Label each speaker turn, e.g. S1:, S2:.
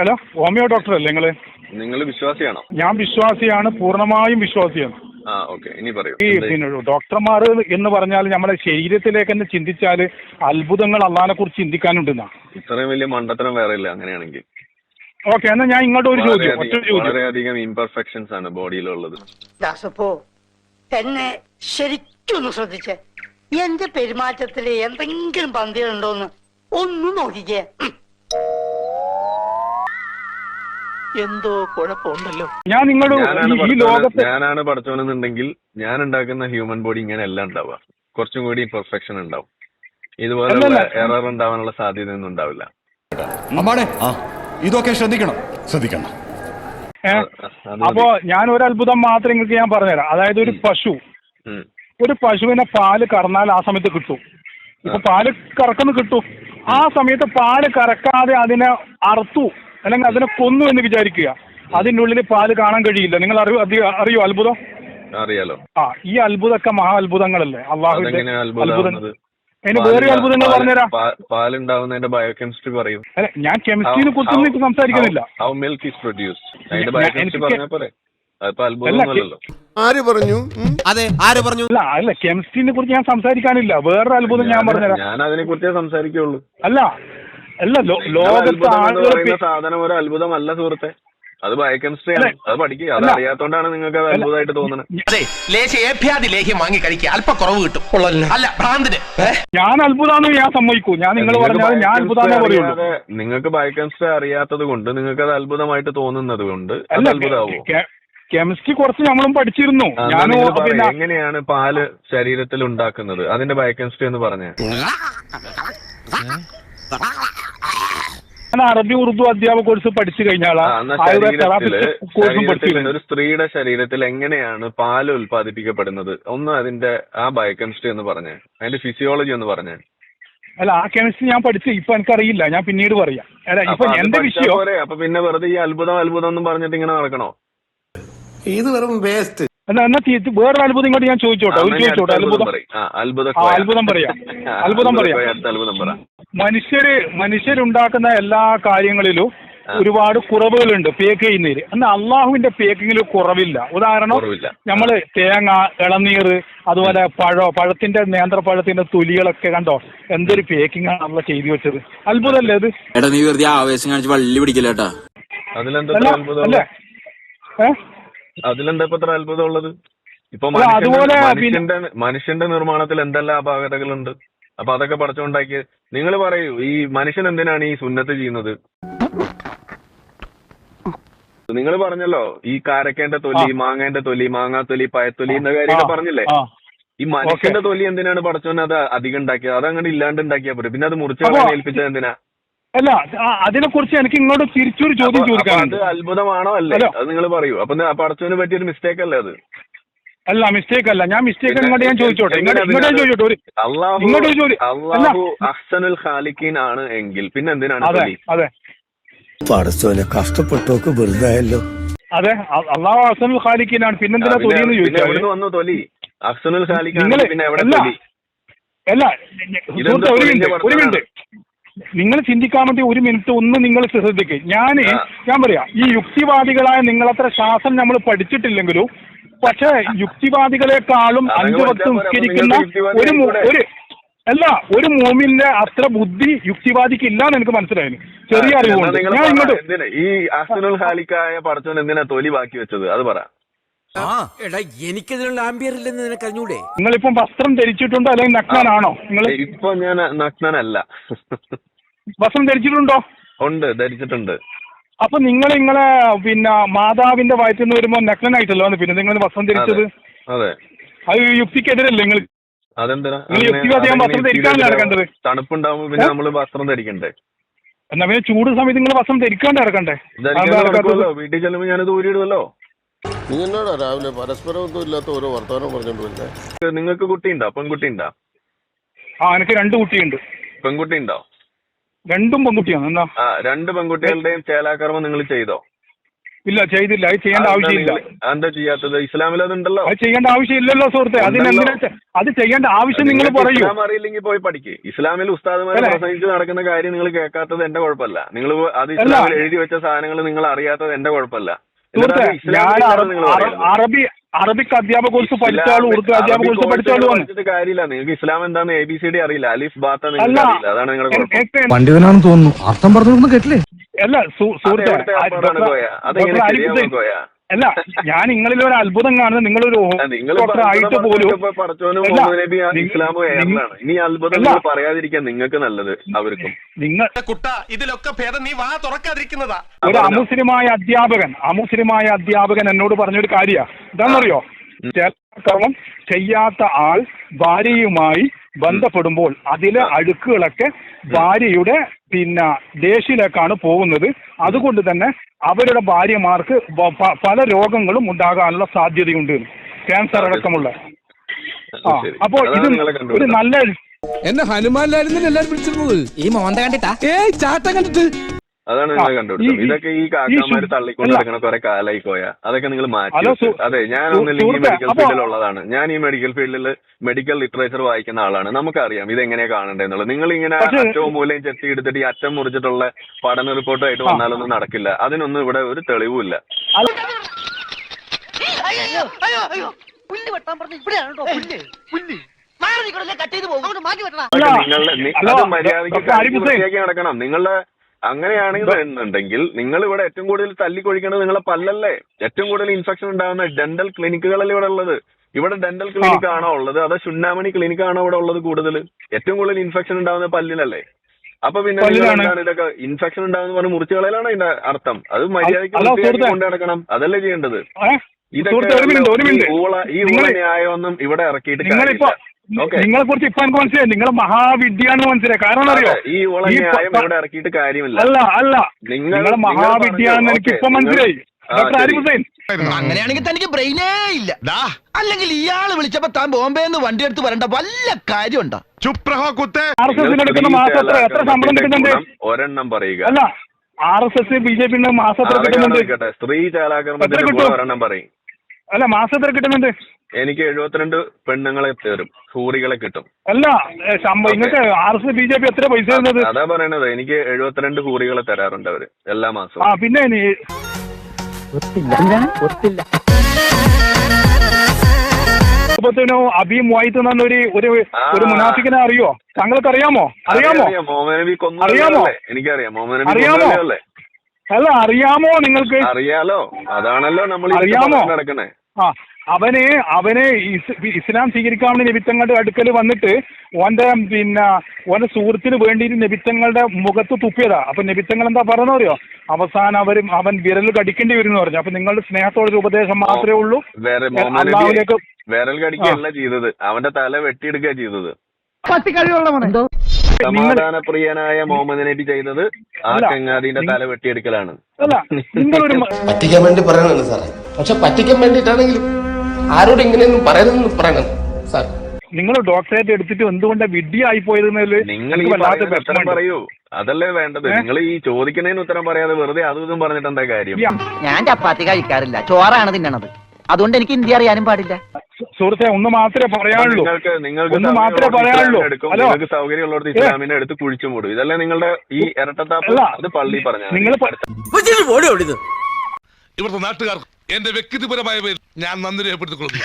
S1: Hello, homeo doctor അല്ലേ നിങ്ങള്?
S2: നിങ്ങൾ വിശ്വാസിയാണോ?
S1: ഞാൻ വിശ്വാസിയാണ്, പൂർണ്ണമായും വിശ്വാസിയാണ്.
S2: ഇനി പറയൂ.
S1: ഈ പിന്നെ ഡോക്ടർമാർ എന്ന് പറഞ്ഞാൽ നമ്മുടെ ശരീരത്തിലേക്ക് തന്നെ ചിന്തിച്ചാൽ അത്ഭുതങ്ങൾ അള്ളാഹിനെ കുറിച്ച് ചിന്തിക്കാനുണ്ടെന്നാ.
S2: ഇത്രയും വലിയ മണ്ടത്തരം വേറെ ഇല്ല അങ്ങനെയാണെങ്കിൽ.
S1: ഓക്കെ, എന്നാൽ ഞാൻ ഇങ്ങോട്ട് ഒരു ചോദ്യം.
S2: വളരെയധികം ഇംപെർഫെക്ഷൻസ് ആണ് ബോഡിയിലുള്ളത്.
S3: ദാസപ്പോ എന്നെ ശരിക്കൊന്ന് ശ്രദ്ധിച്ചേ. എന്റെ പെരുമാറ്റത്തിൽ എന്തെങ്കിലും പന്തികളുണ്ടോന്ന് ഒന്ന് നോക്കിക്കേ. എന്തോ കുഴപ്പമുണ്ടല്ലോ.
S1: ഞാൻ നിങ്ങളുടെ ഈ ലോകത്ത്
S2: ഞാനാണ് പഠിച്ചോണെന്നുണ്ടെങ്കിൽ ഞാൻ ഉണ്ടാക്കുന്ന ഹ്യൂമൻ ബോഡി ഇങ്ങനെ എല്ലാം ഉണ്ടാവുക. കുറച്ചും കൂടി പെർഫെക്ഷൻ ഉണ്ടാവും. ഇതുപോലെ എറർ ഉണ്ടാവാനുള്ള സാധ്യതയൊന്നും ഉണ്ടാവില്ല.
S4: ഇതൊക്കെ ശ്രദ്ധിക്കണം.
S1: അപ്പോ ഞാൻ ഒരു അത്ഭുതം മാത്രം നിങ്ങൾക്ക് ഞാൻ പറഞ്ഞുതരാം. അതായത് ഒരു പശുവിനെ പാല് കറന്നാൽ ആ സമയത്ത് കിട്ടും. ഇപ്പൊ പാല് കറക്കുന്നു കിട്ടും. ആ സമയത്ത് പാല് കറക്കാതെ അതിനെ അറുത്തു അല്ലെങ്കിൽ അതിനെ കൊന്നു എന്ന് വിചാരിക്കുക. അതിൻ്റെ ഉള്ളിൽ പാല് കാണാൻ കഴിയില്ല. നിങ്ങൾ അറിയോ അത്ഭുതം?
S2: അറിയാലോ.
S1: ഈ അത്ഭുതമൊക്കെ മഹാ അത്ഭുതങ്ങളല്ലേ അള്ളാഹുവിന്റെ അത്ഭുതം. അതിന് വേറെ അത്ഭുതങ്ങൾ പറഞ്ഞുതരാം.
S2: പാലുണ്ടാവുന്നതിന്റെ ബയോകെമിസ്ട്രി പറയും.
S1: അല്ല, ഞാൻ കെമിസ്ട്രിനെ കുറിച്ചൊന്നും സംസാരിക്കുന്നില്ല.
S2: ഹൗ മിൽക്ക് ഈസ് പ്രൊഡ്യൂസ്ഡ് അതിന്റെ ബയോകെമിസ്ട്രി പറഞ്ഞാൽ പോരെ. അതിപ്പോ അത്ഭുതമൊന്നുമല്ലല്ലോ.
S5: ആര് പറഞ്ഞു? അതെ, ആര് പറഞ്ഞു?
S1: അല്ല, കെമിസ്ട്രിനെ കുറിച്ച് ഞാൻ സംസാരിക്കാനില്ല. വേറൊരു അത്ഭുതം ഞാൻ പറഞ്ഞുതരാം.
S2: ഞാൻ അതിനെ കുറിച്ചേ സംസാരിക്കുള്ളൂ.
S1: അല്ല ലോകത്ത് ആളുകൾ
S2: സാധനം ഒരു അത്ഭുതമല്ല സുഹൃത്തെ. അത് ബയോകെമിസ്ട്രി ആണ്. അത് പഠിക്കുക. അത് അറിയാത്തോണ്ടാണ് നിങ്ങൾക്ക് അത് അത്ഭുതമായിട്ട് തോന്നുന്നത്. ഞാൻ അത്ഭുതമാണെന്ന് ഞാൻ സമ്മതിക്കൂ. ഞാൻ നിങ്ങൾ പറഞ്ഞാൽ ഞാൻ അത്ഭുതമാണേ പറയുള്ളൂ. നിങ്ങൾക്ക് ബയോകെമിസ്ട്രി അറിയാത്തത് കൊണ്ട് നിങ്ങൾക്ക് അത് അത്ഭുതമായിട്ട് തോന്നുന്നത് കൊണ്ട് അത് അത്ഭുതമാവും.
S1: കെമിസ്ട്രി കുറച്ച് നമ്മളും പഠിച്ചിരുന്നു.
S2: എങ്ങനെയാണ് പാല് ശരീരത്തിൽ ഉണ്ടാക്കുന്നത് അതിന്റെ ബയോകെമിസ്ട്രി എന്ന് പറഞ്ഞേ.
S1: ഞാൻ അറബി ഉറുദു അധ്യാപക കോഴ്സ് പഠിച്ചു കഴിഞ്ഞാൽ
S2: ഒരു സ്ത്രീയുടെ ശരീരത്തിൽ എങ്ങനെയാണ് പാല് ഉൽപ്പാദിപ്പിക്കപ്പെടുന്നത് ഒന്ന് അതിന്റെ ആ ബയോകെമിസ്ട്രി എന്ന് പറഞ്ഞേ. അതിന്റെ ഫിസിയോളജി എന്ന് പറഞ്ഞേ.
S1: അല്ല, ആ കെമിസ്ട്രി ഞാൻ പഠിച്ചു. ഇപ്പൊ എനിക്കറിയില്ല, ഞാൻ പിന്നീട് പറയാം. ഇപ്പൊ എന്റെ വിഷയം
S2: അപ്പൊ പിന്നെ വെറുതെ ഈ അത്ഭുതം എന്നും പറഞ്ഞിട്ട് ഇങ്ങനെ നടക്കണോ?
S5: ഇത് വെറും വേസ്റ്റ്.
S1: എന്നാ വേറൊരു അത്ഭുതം ഇങ്ങോട്ട് ഞാൻ ചോദിച്ചോട്ടെ. അത്ഭുതം പറയാം. മനുഷ്യരുണ്ടാക്കുന്ന എല്ലാ കാര്യങ്ങളിലും ഒരുപാട് കുറവുകളുണ്ട് പേക്ക് ചെയ്യുന്നതിൽ. എന്നാൽ അള്ളാഹുവിന്റെ പേക്കിങ്ങിൽ കുറവില്ല. ഉദാഹരണം, നമ്മള് തേങ്ങ, ഇളനീർ, അതുപോലെ പഴത്തിന്റെ നേന്ത്രപ്പഴത്തിന്റെ തൊലികളൊക്കെ കണ്ടോ എന്തൊരു പേക്കിംഗ് ആണ് അള്ള ചെയ്തു വെച്ചത്. അത്ഭുതമല്ലേ അത്? അല്ലേ?
S2: അതിലെന്താ ഇപ്പൊ അത്ര അത്ഭുതം ഉള്ളത്? ഇപ്പൊ മനുഷ്യന്റെ നിർമ്മാണത്തിൽ എന്തെല്ലാം അപാകതകളുണ്ട്. അപ്പൊ അതൊക്കെ പഠിച്ചുകൊണ്ടാക്കിയ നിങ്ങൾ പറയൂ, ഈ മനുഷ്യൻ എന്തിനാണ് ഈ സുന്നത്ത് ചെയ്യുന്നത്? നിങ്ങൾ പറഞ്ഞല്ലോ ഈ കാരക്കേന്റെ തൊലി, മാങ്ങേന്റെ തൊലി, മാങ്ങാത്തൊലി, പഴത്തൊലി എന്ന കാര്യമൊക്കെ പറഞ്ഞില്ലേ. ഈ മനുഷ്യന്റെ തൊലി എന്തിനാണ് പഠിച്ചോന്ന് അത് അധികം ഉണ്ടാക്കിയത്? അതങ്ങനെ ഇല്ലാണ്ട് ഉണ്ടാക്കിയാ പോലും. പിന്നെ അത് മുറിച്ച് ഏൽപ്പിച്ചത് എന്തിനാ?
S1: അല്ല, അതിനെ കുറിച്ച് എനിക്ക് ഇങ്ങോട്ട് തിരിച്ചൊരു ചോദ്യം ചോദിക്കാനുണ്ട്.
S2: അത് അത്ഭുതമാണോ അല്ലേ? അത് നിങ്ങൾ പറയൂ. അപ്പൊ പടച്ചോന് പറ്റിയൊരു മിസ്റ്റേക്ക് അല്ലേ അത്?
S1: അല്ല, മിസ്റ്റേക്ക് അല്ല. ഞാൻ മിസ്റ്റേക്ക് ഇങ്ങോട്ട് ഞാൻ ചോദിച്ചോട്ടെ.
S2: അല്ലാഹു അഹ്സനുൽ ഖാലിഖീൻ ആണ് എങ്കിൽ പിന്നെ എന്തിനാണ്?
S1: അതെ,
S5: കഷ്ടപ്പെട്ടോക്ക് വെറുതായല്ലോ.
S1: അതെ, അല്ലാഹു അഹ്സനുൽ ഖാലിഖീൻ ആണ്. പിന്നെന്തിനാ തൊലി എന്ന് ചോദിച്ചാൽ
S2: വന്നു തൊലി അഹ്സനുൽ ഖാലിഖീൻ പിന്നെ എവിടെ തൊലി?
S1: അല്ല, ഒരു മിനിറ്റ് നിങ്ങൾ ചിന്തിക്കാൻ വേണ്ടി ഒരു മിനിറ്റ് ഒന്ന് നിങ്ങൾ ശ്രദ്ധിക്കുക. ഞാൻ പറയാം, ഈ യുക്തിവാദികളായ നിങ്ങളത്ര ശാസ്ത്രം നമ്മൾ പഠിച്ചിട്ടില്ലെങ്കിലും പക്ഷെ യുക്തിവാദികളെക്കാളും 5 വക്ത് നിസ്കരിക്കുന്ന ഒരു മോമിന്റെ അത്ര ബുദ്ധി യുക്തിവാദിക്ക് ഇല്ലാന്ന് എനിക്ക് മനസ്സിലായി. ചെറിയ അറിവുണ്ട്. ഞാൻ ഇങ്ങോട്ട്
S2: ഈ അഹ്സനുൽ ഖാലിഖായ പടച്ചോൻ എന്തിനാ തൊലി ബാക്കി വെച്ചത് അത് പറ.
S5: എനിക്കതിനുള്ള ആംബിയർ ഇല്ലെന്ന് നിനക്ക് അറിഞ്ഞൂടെ?
S1: നിങ്ങളിപ്പം വസ്ത്രം ധരിച്ചിട്ടുണ്ടോ അല്ലെങ്കിൽ നഗ്നനാണോ? നിങ്ങൾ
S2: ഇപ്പൊ ഞാൻ നഗ്നനല്ല.
S1: വസ്ത്രം ധരിച്ചിട്ടുണ്ടോ?
S2: ഉണ്ട്, ധരിച്ചിട്ടുണ്ട്.
S1: അപ്പൊ നിങ്ങളെ പിന്നെ മാതാവിന്റെ വയറ്റിൽ നിന്ന് വരുമ്പോ നഗ്നനായിട്ടല്ലോ പിന്നെ നിങ്ങൾ വസ്ത്രം ധരിച്ചത്?
S2: അതെ,
S1: അത് യുക്തിക്കെതിരല്ലേ? നിങ്ങൾ വസ്ത്രം ധരിക്കാനല്ലേ നടക്കേണ്ടത്?
S2: തണുപ്പുണ്ടാവുമ്പോ പിന്നെ നമ്മള് വസ്ത്രം ധരിക്കണ്ടേ?
S1: എന്നാ പിന്നെ ചൂട് സമയത്ത് നിങ്ങൾ വസ്ത്രം ധരിക്കാണ്ട് ഇറക്കണ്ടേ?
S2: വീട്ടിൽ ചെല്ലുമ്പോ ഞാനത് ഊരിയിടുമല്ലോ.
S5: നീ എന്നോടാ രാവിലെ പരസ്പരമൊന്നും ഇല്ലാത്ത ഓരോ വർത്തമാനം പറഞ്ഞോണ്ട്?
S2: നിങ്ങൾക്ക് കുട്ടിയുണ്ടോ? പെൺകുട്ടിയുണ്ടോ?
S1: എനിക്ക് 2 കുട്ടിയുണ്ട്.
S2: പെൺകുട്ടി ഉണ്ടോ?
S1: 2 പെൺകുട്ടിയാണ്. എന്താ?
S2: 2 പെൺകുട്ടികളുടെയും ചേലാകർമ്മം നിങ്ങൾ ചെയ്തോ?
S1: ഇല്ല ചെയ്തില്ല. അത് ചെയ്യേണ്ട ആവശ്യമില്ല.
S2: എന്താ ചെയ്യാത്തത്? ഇസ്ലാമിൽ അതുണ്ടല്ലോ.
S1: അത് ചെയ്യേണ്ട ആവശ്യമില്ലല്ലോ സുഹൃത്തെ. അതിനെന്തിനാ അത് ചെയ്യേണ്ട ആവശ്യം നിങ്ങൾ പറയൂ.
S2: ഇസ്ലാം അറിയില്ലെങ്കിൽ പോയി പഠിക്ക്. ഇസ്ലാമിൽ ഉസ്താദുമാരെ പ്രസംഗിച്ച് നടക്കുന്ന കാര്യം നിങ്ങൾ കേൾക്കാത്തത് എന്റെ കുഴപ്പമില്ല. നിങ്ങൾ അത് ഇസ്ലാമിൽ എഴുതി വെച്ച സാധനങ്ങൾ നിങ്ങൾ അറിയാത്തത് എന്റെ കുഴപ്പമില്ല.
S1: സുഹൃത്തെ, ഞാൻ അറബിക് അധ്യാപക കോഴ്സ് പഠിച്ചാലും ഉറുദു അധ്യാപക കോഴ്സ് പഠിച്ചാലും
S2: പഠിച്ചിട്ട് കാര്യമില്ല. നിങ്ങൾക്ക് ഇസ്ലാം എന്താന്ന് ABCD അറിയില്ല, അലിഫ് ബാത്ത നിങ്ങൾക്ക് അറിയില്ല. അതാണ് നിങ്ങളുടെ കുഴപ്പം.
S4: പണ്ഡിതനാണെന്ന് തോന്നുന്നു. അർത്ഥം പറഞ്ഞൊന്നും കേട്ടില്ലേ?
S1: അല്ല സുഹൃത്തെ, അല്ല ഞാൻ നിങ്ങളിൽ ഒരു അത്ഭുതം കാണുന്നത്. നിങ്ങളൊരു ആയിട്ട് പോലും
S2: ഇനി അത്ഭുതം പറയാതിരിക്കാൻ നിങ്ങൾക്ക് നല്ലത് അവർക്കും.
S1: നിങ്ങൾ
S4: ഇതിലൊക്കെ ഭേദം നീ വാ തുറക്കാതിരിക്കുന്നതാ.
S1: ഒരു അമുസ്ലിമായ അധ്യാപകൻ എന്നോട് പറഞ്ഞൊരു കാര്യ എന്താണെന്നറിയോ? കർമ്മം ചെയ്യാത്ത ആൾ ഭാര്യയുമായി ബന്ധപ്പെടുമ്പോൾ അതിലെ അഴുക്കുകളൊക്കെ ഭാര്യയുടെ ദേഷ്യയിലേക്കാണ് പോകുന്നത്. അതുകൊണ്ട് തന്നെ അവരുടെ ഭാര്യമാർക്ക് പല രോഗങ്ങളും ഉണ്ടാകാനുള്ള സാധ്യതയുണ്ട്, ക്യാൻസർ അടക്കമുള്ള. അപ്പോൾ ഇത് ഒരു നല്ല
S4: എന്നെ ഹനുമാനിലായിരുന്നില്ല എല്ലാരും വിളിച്ചിരുന്നത്. ഈ മോന്ത കണ്ടിട്ടാ? ചാട്ടം കണ്ടിട്ട്.
S2: അതാണ് നിങ്ങൾ കണ്ടുപിടിച്ചത്. ഇതൊക്കെ ഈ കാക്കമാര് തള്ളിക്കൊണ്ട് നടക്കണ കുറെ കാലായി പോയാ അതൊക്കെ നിങ്ങൾ മാറ്റി. അതെ, ഞാനൊന്നില്ലെങ്കിൽ ഈ മെഡിക്കൽ ഫീൽഡിലുള്ളതാണ്. ഞാൻ ഈ മെഡിക്കൽ ഫീൽഡിൽ മെഡിക്കൽ ലിറ്ററേച്ചർ വായിക്കുന്ന ആളാണ്. നമുക്കറിയാം ഇതെങ്ങനെയാ കാണണ്ടേന്നുള്ളത്. നിങ്ങൾ ഇങ്ങനെ അറ്റവും മൂലയും ചെത്തി എടുത്തിട്ട് ഈ അറ്റം മുറിച്ചിട്ടുള്ള പഠന റിപ്പോർട്ടായിട്ട് വന്നാലൊന്നും നടക്കില്ല. അതിനൊന്നും ഇവിടെ ഒരു തെളിവുമില്ല. മര്യാദയ്ക്ക് നടക്കണം. നിങ്ങളുടെ അങ്ങനെയാണെന്നുണ്ടെങ്കിൽ നിങ്ങൾ ഇവിടെ ഏറ്റവും കൂടുതൽ തല്ലിക്കൊഴിക്കേണ്ടത് നിങ്ങളെ പല്ലല്ലേ? ഏറ്റവും കൂടുതൽ ഇൻഫെക്ഷൻ ഉണ്ടാകുന്ന ഡെന്റൽ ക്ലിനിക്കുകളല്ലേ ഇവിടെ ഉള്ളത്? ഇവിടെ ഡെന്റൽ ക്ലിനിക് ആണോ ഉള്ളത്, അതോ ചുണ്ണാമണി ക്ലിനിക് ആണോ ഇവിടെ ഉള്ളത്? കൂടുതൽ ഏറ്റവും കൂടുതൽ ഇൻഫെക്ഷൻ ഉണ്ടാകുന്ന പല്ലിനല്ലേ? അപ്പൊ പിന്നെ ഇതൊക്കെ ഇൻഫെക്ഷൻ ഉണ്ടാകുന്ന പറഞ്ഞ് മുറിച്ചു കളയലാണ് അതിന്റെ അർത്ഥം. അത് മര്യാദയ്ക്ക് കൊണ്ടു നടക്കണം. അതല്ലേ ചെയ്യേണ്ടത്. ഇതൊക്കെ ഈ ഊള ന്യായമൊന്നും ഇവിടെ ഇറക്കിയിട്ട് കാര്യമില്ല.
S1: നിങ്ങളെ കുറിച്ച് ഇപ്പൊ എനിക്ക് മനസ്സിലായി. നിങ്ങളെ മഹാവിദ്യാന്ന് മനസ്സിലായി. കാരണം അറിയോ?
S2: ഈ ന്യായം ഇവിടെ ഇറക്കിയിട്ട് കാര്യമില്ല.
S1: അല്ല നിങ്ങളെ മഹാവിദ്യാന്ന് എനിക്ക് ഇപ്പൊ മനസ്സിലായി. ഡോക്ടർ ആരിഫ് ഹുസൈൻ,
S6: അങ്ങനെയാണെങ്കിൽ തനിക്ക് ബ്രെയിനേ ഇല്ല. അല്ലെങ്കിൽ ഇയാള് വിളിച്ചപ്പോ താൻ ബോംബെന്ന് വണ്ടി എടുത്ത് വരേണ്ട വല്ല കാര്യമുണ്ടോ?
S1: RSS എടുക്കുന്ന മാസം എത്ര ശമ്പളം കിട്ടുന്നുണ്ട്?
S2: ഒരെണ്ണം പറയുക.
S1: അല്ല, RSS BJP മാസം എത്ര കിട്ടുന്നുണ്ട്?
S2: സ്ത്രീ ചാലാക്രമണത്തിന് ഒരെണ്ണം പറയും.
S1: അല്ല, മാസം എത്ര കിട്ടുന്നുണ്ട്?
S2: എനിക്ക് 72 പെണ്ണുങ്ങളെ തരും, ഹൂറികളെ കിട്ടും.
S1: അല്ല, നിങ്ങൾക്ക് RSS BJP എത്ര പൈസ തരുന്നത്?
S2: അതാ പറയണത്. എനിക്ക് 72 ഹൂറികളെ തരാറുണ്ട് അവര് എല്ലാ മാസവും.
S1: പിന്നെ അബി മുവായിത്ത് എന്ന ഒരു മുനാഫിക്കിനെ അറിയോ? താങ്കൾക്ക് അറിയാമോ?
S2: എനിക്കറിയാം.
S1: അല്ല, അറിയാമോ നിങ്ങൾക്ക്?
S2: അറിയാലോ, അതാണല്ലോ നമ്മൾ നടക്കണേ.
S1: അവന് ഇസ്ലാം സ്വീകരിക്കാൻ വേണ്ടി നബിത്തങ്ങളുടെ അടുക്കൽ വന്നിട്ട് ഓന്റെ സുഹൃത്തിന് വേണ്ടിയിട്ട് നബിത്തങ്ങളുടെ മുഖത്ത് തുപ്പിയതാ. അപ്പൊ നബിത്തങ്ങൾ എന്താ പറഞ്ഞറിയോ? അവസാനം അവൻ വിരൽ കടിക്കേണ്ടി വരും എന്ന് പറഞ്ഞു. അപ്പൊ നിങ്ങളുടെ സ്നേഹത്തോടെ ഉപദേശം മാത്രമേ ഉള്ളൂ. അള്ളാഹുവിലേക്ക്
S2: വിരൽ കടിക്കുകയല്ല ചെയ്തത്, അവന്റെ തല വെട്ടിയെടുക്കുക ചെയ്തത്. സമാധാനപ്രിയനായ മുഹമ്മദ് നബി ചെയ്തത് ആ ചങ്ങാതിന്റെ തല വെട്ടിയെടുക്കലാണ്.
S5: പറ്റിക്കാൻ വേണ്ടി പറയണതാണ് സാറേ. പക്ഷെ പറ്റിക്കാൻ വേണ്ടിയിട്ടാണെങ്കിലും ആരോട് ഇങ്ങനെയൊന്നും പറയണമെന്ന് പറയണം സാർ.
S1: നിങ്ങൾ ഡോക്ടറേറ്റ് എടുത്തിട്ട് എന്തുകൊണ്ടാണ് വിഡ്ഢിയായി പോയതെന്നതിൽ
S2: നിങ്ങൾ ഉത്തരം പറയൂ. അതല്ലേ വേണ്ടത്. നിങ്ങൾ ഈ ചോദിക്കുന്നതിന് ഉത്തരം പറയാതെ വെറുതെ അതും ഇതും പറഞ്ഞിട്ട് എന്താ കാര്യം?
S6: ഞാൻ ചപ്പാത്തി കഴിക്കാറില്ല, ചോറാണ് തിന്നണത്. അതുകൊണ്ട് എനിക്ക് ഹിന്ദി അറിയാനും പാടില്ല.
S1: സുഹൃത്തെ, ഒന്ന് മാത്രമേ പറയാനുള്ളൂ.
S2: നിങ്ങൾക്ക് സൗകര്യമുള്ളവർക്ക് ഇസ്ലാമിനെ എടുത്ത് കുഴിച്ചു മൂടും. ഇതല്ലേ നിങ്ങളുടെ ഈ ഇരട്ടത്താപ്പ്? അത് പള്ളി പറഞ്ഞാൽ
S4: ഇവിടുത്തെ നാട്ടുകാർക്ക് എന്റെ വ്യക്തിപരമായ പേരിൽ ഞാൻ നന്ദി രേഖപ്പെടുത്തിക്കൊള്ളുന്നു.